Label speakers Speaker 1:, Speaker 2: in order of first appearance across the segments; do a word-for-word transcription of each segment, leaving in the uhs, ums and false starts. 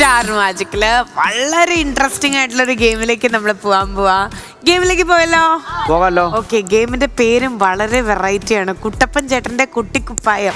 Speaker 1: Star മാജിക്കില് വളരെ interesting ആയിട്ടുള്ള ഒരു ഗെയിമിലേക്ക് നമ്മൾ പോവാൻ പോവാ. ഗെയിമിലേക്ക് പോയല്ലോ,
Speaker 2: പോകാലോ.
Speaker 1: ഓക്കെ. ഗെയിമിന്റെ പേരും വളരെ വെറൈറ്റി ആണ്, കുട്ടപ്പൻ ചേട്ടന്റെ കുട്ടിക്കുപ്പായം.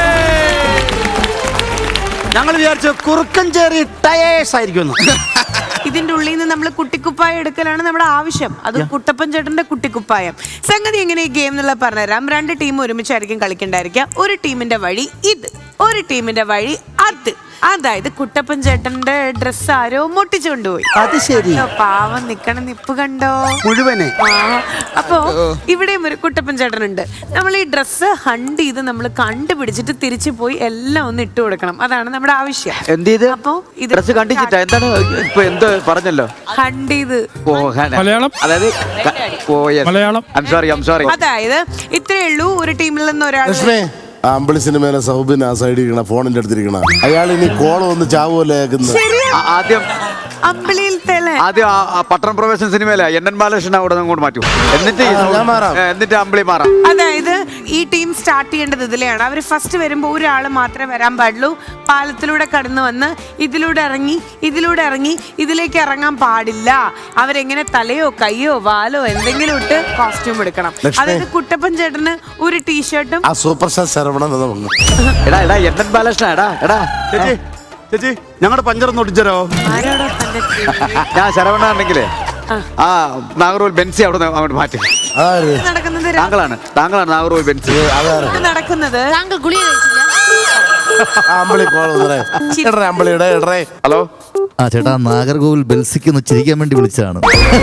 Speaker 2: ഞങ്ങൾ വിചാരിച്ചു കുറുക്കൻ ചേറി ടയേഴ്സ് ആയിരിക്കും.
Speaker 1: ഇതിന്റെ ഉള്ളിൽ നിന്ന് നമ്മൾ കുട്ടിക്കുപ്പായം എടുക്കലാണ് നമ്മുടെ ആവശ്യം. അത് കുട്ടപ്പൻ ചേട്ടന്റെ കുട്ടിക്കുപ്പായം. സംഗതി എങ്ങനെ ഈ ഗെയിം എന്നുള്ള പറഞ്ഞുതരാം. രണ്ട് ടീം ഒരുമിച്ചായിരിക്കും കളിക്കണ്ടായിരിക്കുക. ഒരു ടീമിന്റെ വഴി ഇത്, ഒരു ടീമിന്റെ വഴി അത്. അതായത് കുട്ടപ്പൻ ചേട്ടന്റെ ഡ്രസ് ആരോ പൊട്ടിച്ചു കൊണ്ടുപോയി.
Speaker 2: അത് ശരി.
Speaker 1: പാവം നിക്കണ നിപ്പ് കണ്ടോ
Speaker 2: മുഴുവനെ.
Speaker 1: അപ്പോ ഇവിടെയും ഒരു കുട്ടപ്പൻ ചേട്ടനുണ്ട്. നമ്മൾ ഈ ഡ്രസ്സ് ഹണ്ട് ചെയ്ത് നമ്മൾ കണ്ടുപിടിച്ചിട്ട് തിരിച്ചു പോയി എല്ലാം ഒന്ന് ഇട്ട് കൊടുക്കണം. അതാണ് നമ്മുടെ ആവശ്യം.
Speaker 2: എന്ത് ചെയ്ത്?
Speaker 1: അപ്പോ ഇത്
Speaker 2: ഡ്രസ് കണ്ടിച്ചിട്ടാ എന്താണ് ഇപ്പൊ എന്ത് പറഞ്ഞല്ലോ?
Speaker 1: ഹണ്ട് ചെയ്ത്
Speaker 3: മലയാളം,
Speaker 2: അതായത്
Speaker 3: Malayalam.
Speaker 2: I'm sorry I'm sorry.
Speaker 1: അതായത് ഇത്രയേ ഉള്ളൂ. ഒരു ടീമിൽ നിന്ന് ഒരാൾ
Speaker 4: അമ്പിളി സിനിമയിലെ സൗബിൻ ആ സൈഡിൽ ഇരിക്കണ ഫോണിന്റെ അടുത്തിരിക്കണ അയാൾ ഇനി കോളം ഒന്ന് ചാവുമല്ലോ കേൾക്കുന്നത്.
Speaker 2: ആദ്യം
Speaker 1: അമ്പിളിയിൽ തേലെ
Speaker 2: ആദ്യം പട്ടണം പ്രവേശന സിനിമയിലെ എൻ എൻ ബാലകൃഷ്ണൻ അവിടെ അങ്ങോട്ട് മാറ്റും. എന്നിട്ട്
Speaker 4: ഞാൻ മാറാം.
Speaker 2: എന്നിട്ട് അമ്പിളി മാറാം.
Speaker 1: അതായത് ഈ ടീം സ്റ്റാർട്ട് ചെയ്യേണ്ടത് ഇതിലെയാണ്. അവർ ഫസ്റ്റ് വരുമ്പോൾ ഒരാൾ മാത്രമേ വരാൻ പാടുള്ളൂ. പാലത്തിലൂടെ കടന്നു വന്ന് ഇതിലൂടെ ഇറങ്ങി ഇതിലൂടെ ഇറങ്ങി ഇതിലേക്ക് ഇറങ്ങാൻ പാടില്ല. അവരെങ്ങനെ തലയോ കയ്യോ വാലോ എന്തെങ്കിലും ഇട്ട് കോസ്റ്റ്യൂം എടുക്കണം. അതായത് കുട്ടപ്പൻ ചേട്ടന് ഒരു ടീഷർട്ടും
Speaker 4: ആ സൂപ്പർ സ്റ്റാർ ശരവണൻ
Speaker 2: എടാ എടാ എൻ എൻ ബാലകൃഷ്ണൻ എടാ എടാ
Speaker 5: ചേച്ചി ചേച്ചി ഞങ്ങളുടെ പഞ്ചറൊന്ന് ഒടിച്ചരോ?
Speaker 1: ആരോടോ തന്റെ
Speaker 2: ഞാൻ ശരവണാണെങ്കിലേ ആ നാഗർകോവിൽ ബെൻസി അവിടെ അങ്ങോട്ട് മാറ്റി.
Speaker 1: നടക്കുന്നത്
Speaker 2: താങ്കളാണ് താങ്കളാണ് നാഗർകോവിൽ ബെൻസി
Speaker 1: നടക്കുന്നത്.
Speaker 6: താങ്കൾ ഗുളിക കഴിച്ചില്ല?
Speaker 4: അമ്പിളി കോളം അമ്പിളിയുടെ ഇടറേ.
Speaker 2: ഹലോ.
Speaker 7: ആ ചേട്ടാ, നാഗർകോവിൽ ബെൽസിക്ക് ഒന്ന് ചിരിക്കാൻ വേണ്ടി വിളിച്ചതാണ്.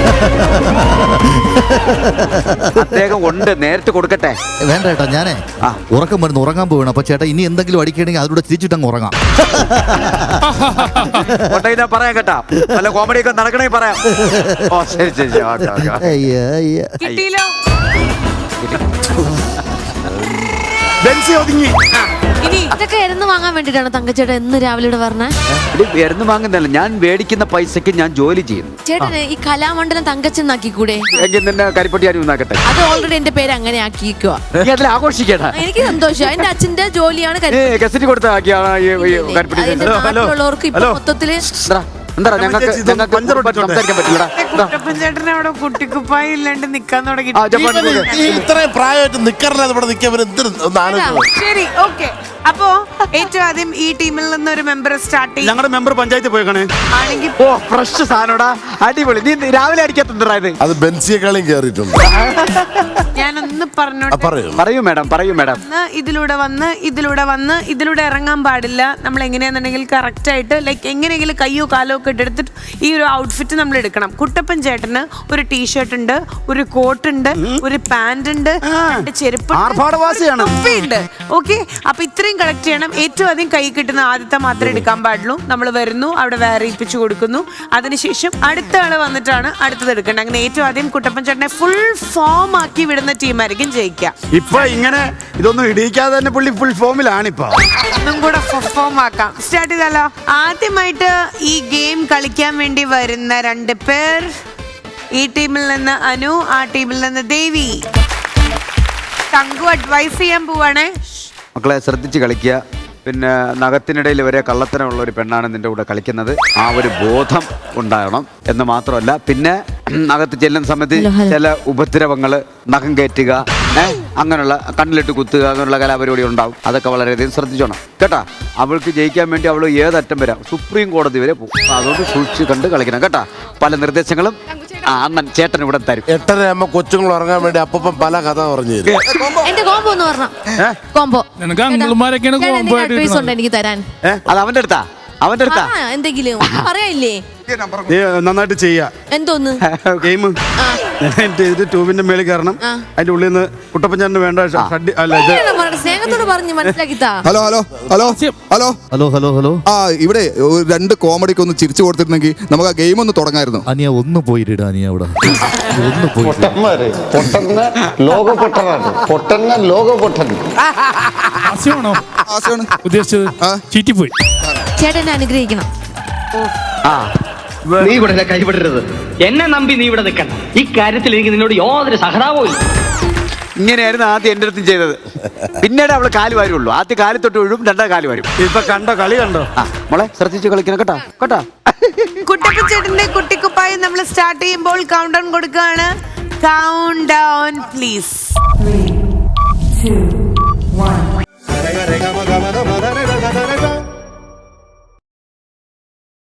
Speaker 2: അദ്ദേഹം ഉണ്ട്, നേരിട്ട് കൊടുക്കട്ടെ.
Speaker 7: വേണ്ട ചേട്ടാ, ഞാനേ ഉറക്കം വരുന്നു, ഉറങ്ങാൻ പോവാണ്. അപ്പൊ ചേട്ടാ ഇനി എന്തെങ്കിലും അടിക്കണമെങ്കിൽ അതിലൂടെ ചിരിച്ചിട്ടങ്ങ് ഉറങ്ങാം.
Speaker 2: പറയാം കേട്ടാ, നല്ല കോമഡി ഒക്കെ നടക്കണമെങ്കിൽ പറയാം. ഓ ശരി ശരി.
Speaker 7: അയ്യ അയ്യ.
Speaker 1: കിട്ടിയില്ലോ.
Speaker 5: ബെൻസി ഒതുങ്ങി.
Speaker 1: ഇനി
Speaker 6: ഇതൊക്കെ എരുന്ന് വാങ്ങാൻ വേണ്ടിട്ടാണ് തങ്കച്ചേട്ടൻ എന്ന് രാവിലെ ഇവിടെ പറഞ്ഞേ?
Speaker 2: എരുന്ന് വാങ്ങുന്നല്ല, ഞാൻ മേടിക്കുന്ന പൈസക്ക് ഞാൻ ജോലി ചെയ്യുന്നു.
Speaker 6: ചേട്ടന് ഈ കലാമണ്ഡലം തങ്കച്ചെന്നാക്കി കൂടെ?
Speaker 2: എങ്കിൽ നിന്നെ കരിപ്പട്ടി ആരും ഉണ്ടാക്കട്ടെ.
Speaker 6: അത് ഓൾറെഡി എന്റെ പേര് അങ്ങനെ ആക്കിയിരിക്കുക.
Speaker 2: നീ അതിൽ ആഘോഷിക്കട്ടാ.
Speaker 6: എനിക്ക് സന്തോഷം. എന്റെ അച്ഛന്റെ ജോലിയാണ്
Speaker 2: ഗസറ്റ് കൊടുത്ത
Speaker 6: കരിപ്പട്ടി. ഇപ്പൊ മൊത്തത്തില്
Speaker 2: എന്താ ഞങ്ങൾക്ക് സംസാരിക്കാൻ പറ്റില്ല.
Speaker 1: കുട്ടപ്പൻ ചേട്ടൻ അവിടെ കുട്ടിക്കുപ്പായം ഇല്ലാണ്ട് നിക്കാൻ തുടങ്ങി.
Speaker 4: ഇത്രയും പ്രായമായിട്ട് നിക്കറില്ല ഇവിടെ നിൽക്കാൻ എന്തിനും ആലോചിക്കണം.
Speaker 1: ശരി, ഓക്കെ. അപ്പോ ഏറ്റവും ആദ്യം ഈ ടീമിൽ നിന്ന് ഒരു മെമ്പർ സ്റ്റാർട്ട് ചെയ്യും.
Speaker 5: ഞങ്ങളുടെ മെമ്പർ പഞ്ചായത്ത് പോയേക്കണേ.
Speaker 1: ആണെങ്കിൽ
Speaker 2: ഓ ഫ്രഷ് സാധനോടാ, അടിപൊളി. നീ രാവിലെ അടിക്കാത്തത്
Speaker 4: അത് ബെൻസിയെക്കാളും കേറിയിട്ടുണ്ട്.
Speaker 1: ഞാനൊന്ന് പറഞ്ഞോട്ടെ.
Speaker 2: പറയൂ മാഡം, പറയൂ മാഡം.
Speaker 1: ഇതിലൂടെ വന്ന് ഇതിലൂടെ വന്ന് ഇതിലൂടെ ഇറങ്ങാൻ പാടില്ല. നമ്മൾ എങ്ങനെയാണെന്നുണ്ടെങ്കിൽ കറക്റ്റ് ആയിട്ട് ലൈക്ക് എങ്ങനെയെങ്കിലും കയ്യോ കാലോ ഒക്കെ എടുത്തിട്ട് ഈ ഒരു ഔട്ട്ഫിറ്റ് നമ്മൾ എടുക്കണം. കുട്ടപ്പൻ ചേട്ടന് ഒരു ടീഷർട്ട് ഉണ്ട്, ഒരു കോട്ട് ഉണ്ട്, ഒരു പാന്റ് ഉണ്ട്, രണ്ട് ചെരുപ്പ് ഉണ്ട്. ഓക്കെ, അപ്പൊ ഇത്രയും കളക്ട് ചെയ്യണം. ഏറ്റവും ആദ്യം കൈ കിട്ടുന്ന ആദ്യത്തെ മാത്രമേ എടുക്കാൻ പാടുള്ളൂ. നമ്മൾ വരുന്നു, അവിടെ വേറെ ഇപ്പിച്ചു കൊടുക്കുന്നു. അതിനുശേഷം അടുത്ത ആള് വന്നിട്ടാണ് അടുത്തത് എടുക്കേണ്ടത്. അങ്ങനെ ഏറ്റവും ആദ്യം കുട്ടപ്പൻ ചേട്ടനെ ഫുൾ ഫോം ആക്കി വിടുന്ന ടീമായിരിക്കും ജയിക്കുക.
Speaker 5: ഇപ്പൊ ഇങ്ങനെ ഇതൊന്നും ഇടിയിക്കാതെ തന്നെ പുള്ളി ഫുൾ ഫോമിലാണ്. ഇപ്പൊ
Speaker 1: ഒന്നും കൂടെ ഫോം ആക്കാം. സ്റ്റാർട്ട് ചെയ്താലോ? ആദ്യമായിട്ട് ഈ ഗെയിം കളിക്കാൻ വേണ്ടി വരുന്ന രണ്ട് പേർ, ഈ ടീമിൽ നിന്ന് അനു, ആ ടീമിൽ നിന്ന് ദേവി. തങ്കു അഡ്വൈസ് ചെയ്യാൻ പോവാണേ.
Speaker 2: മക്കളെ ശ്രദ്ധിച്ച് കളിക്കുക. പിന്നെ നഖത്തിനിടയിൽ വരെ കള്ളത്തരമുള്ള ഒരു പെണ്ണാണ് നിന്റെ കൂടെ കളിക്കുന്നത്. ആ ഒരു ബോധം ഉണ്ടാകണം എന്ന് മാത്രമല്ല, പിന്നെ നഖത്ത് ചെല്ലുന്ന സമയത്ത് ചില ഉപദ്രവങ്ങൾ, നഖം കയറ്റുക, ഏഹ് അങ്ങനെയുള്ള കണ്ണിലിട്ട് കുത്തുക, അങ്ങനെയുള്ള കലാപരിപാടി ഉണ്ടാവും. അതൊക്കെ വളരെയധികം ശ്രദ്ധിച്ചോണം കേട്ടാ. അവൾക്ക് ജയിക്കാൻ വേണ്ടി അവൾ ഏതറ്റം വരാം, സുപ്രീം കോടതി വരെ പോകും. അതുകൊണ്ട് സൂക്ഷിച്ച് കണ്ട് കളിക്കണം കേട്ടാ. പല നിർദ്ദേശങ്ങളും ആ അണ്ണൻ ചേട്ടൻ ഇവിടെ തരും.
Speaker 4: എട്ടര ആകുമ്പോ കൊച്ചുങ്ങൾ ഉറങ്ങാൻ വേണ്ടി അപ്പം പല കഥ പറഞ്ഞു തരും.
Speaker 6: എന്റെ കോംബോ എന്ന് പറഞ്ഞ കോംബോ അഡ്വൈസ് ഉണ്ട് എനിക്ക് തരാൻ.
Speaker 2: അത് അവന്റെ അടുത്താ, അവന്റെ അടുത്താ
Speaker 6: എന്തെങ്കിലും പറയാനില്ലേ?
Speaker 5: നീ നന്നായിട്ട് ചെയ്യാ.
Speaker 6: എന്തോന്ന്
Speaker 5: ഗെയിം ട്യൂബിന്റെ മേളിൽ കയറണം. അതിന്റെ ഉള്ളിൽ നിന്ന് കുട്ടപ്പഞ്ചാറിന് വേണ്ട ഷഡ്ഡി അല്ല ഇത്
Speaker 6: സ്നേഹത്തോട് പറഞ്ഞ് മനസ്സിലാക്കിത്താ.
Speaker 8: Hello hello hello hello
Speaker 7: hello hello hello
Speaker 8: ആ ഇവിടെ ഒരു രണ്ട് കോമഡിക്ക് ഒന്ന് ചിരിച്ചു കൊടുത്തിരുന്നെങ്കിൽ നമുക്ക് ആ ഗെയിം ഒന്ന് തുടങ്ങായിരുന്നു.
Speaker 7: അനിയ ഒന്ന് പോയിട്ടാ, അനിയ അവിടെ ഒന്ന് പോയി.
Speaker 3: ഉദ്ദേശിച്ചത് ചീറ്റിപ്പോയി.
Speaker 6: ചേട്ടനെ അനുഗ്രഹിക്കണം.
Speaker 9: നീ ഇവിടെ കൈവിടരുത്. എന്നെ നമ്പി നീ ഇവിടെ നിൽക്കണം. ഈ കാര്യത്തിൽ എനിക്ക് നിന്നോട് യാതൊരു സഹതാപവും ഇല്ല.
Speaker 2: ഇങ്ങനെയായിരുന്നു ആദ്യം എൻ്റെ അടുത്തും ചെയ്തത്. പിന്നീട് അവള് കാല് വാരുള്ളൂ. ആദ്യം കാലി തൊട്ട് വീഴും, രണ്ടാം കാല് വരും.
Speaker 5: ഇപ്പൊ കണ്ടോ കളി കണ്ടോ?
Speaker 2: ആ മോളെ ശ്രദ്ധിച്ച് കളിക്കണം കേട്ടോ കേട്ടോ.
Speaker 1: കുട്ടപ്പൻ ചേട്ടന്റെ കുട്ടിക്കുപ്പായി നമ്മൾ സ്റ്റാർട്ട് ചെയ്യുമ്പോൾ കൗണ്ട് ഡൗൺ കൊടുക്കുകയാണ്. Count down please.
Speaker 9: Three, two, one.